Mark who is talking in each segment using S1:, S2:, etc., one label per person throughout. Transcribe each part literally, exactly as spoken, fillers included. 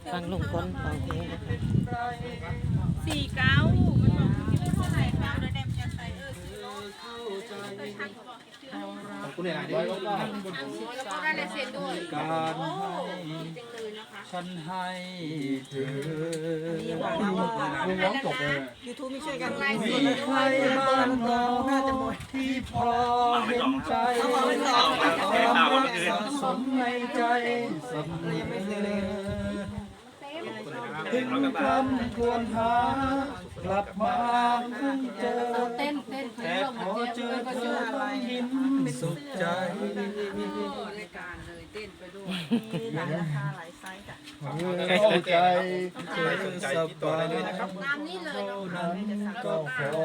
S1: ฟังลุงพลร้องเพลงนะคะ
S2: สี่เก้ามันบอกคิดว่าเท่าไหร่เก้าเดี๋ยวแดมจะใส่เออซื้อรถเคยทักเขาบอกเชื่อโอ้
S3: คุณเนี่ยร้อยก็ได้
S2: แล้วก็ได้ลายเซ็นด้วย
S4: การ
S2: โอ้
S4: ให้
S2: ดีจังเลยนะคะ
S4: ฉันให้เธอ
S3: ลุงร้องจบเลย
S1: ยูทูบไม่ช่วยกัน
S2: ลาย
S4: มี
S2: เซ็น
S4: ใครบ้างเนาะที่พอเห็นใจความรักสะสมในใจเสมอถึงคำควรหากลับมาเพิ่งเจอ
S2: เต้นเต้น
S4: แต่พอเจอเธอต้องยิ้มสุขใจ
S2: รายการเลยเต้นไปด้วย
S3: เข้าใจ
S4: เธอสบาย
S2: ตามนี้เลย
S4: เท่า
S2: เนาะ
S4: นั้นก็พอ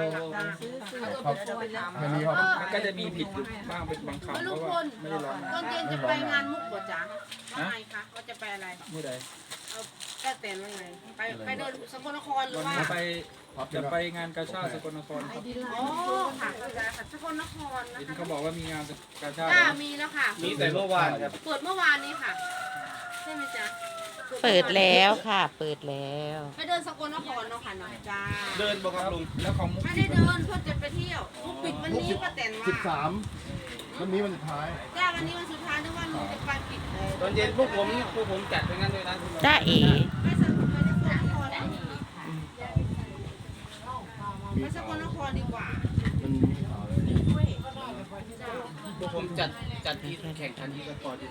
S3: ครับไม่มีครับ
S4: มันก็จะมีผิดอยู่บ้างเป็นบางคำเพ
S2: ลุง
S4: ราะ
S2: พ
S4: ว่า
S2: ล
S4: ไม่ได้ร้อง
S2: ตอนเย็นจะไปงานมุกบ่จ๊ะว่าไงคะว่าจะไปอะไร
S4: เมื่อใด
S2: เอาแค่เต้นว่าไงไปไปเดินสกลนครหรือ
S4: วัน
S2: ว่า
S4: นี้ไปจะไปงานกาชาติสกลนครครับ
S2: อ๋อค่ะค่ะสกลนครนะ
S4: เห็น
S2: คะ
S4: เขาบอกว่ามีงานกาชาติ
S2: จ้ามีแล้วค่ะ
S3: มีแต่เมื่อวานครับ
S2: เปิดเมื่อวานนี้ค่ะ ใช่ไหมจ๊ะ
S1: เปิดแล้วค่ะ เปิดแล้ว
S2: ไปเดินสกลนครเนาะค่ะเนาะจ้า
S3: เดินบอกครับลุง
S4: แล้วของมุก
S2: ไม่ได้เดินเพื่อจะไปเที่ยวมุกปิดวันนี้ป้าแตนว่า
S3: สิบสามวันนี้วันสุดท้าย
S2: จ้าวันนี้วันสุดท้ายนึกว่าลุงจะไปปิดเลย
S5: ตอนเย็นพวกผมพวกผมจัดไปงั้นด้วยนะ
S1: จ้าเอ๋
S2: ไปสกลไปสกลนครแล้วนี่ไปสกลนครดีกว่า
S3: มันมีข่าวเลย
S2: จ้า
S5: พวกผมจัดจัดที่แข่งขันที่สปอร์ตที่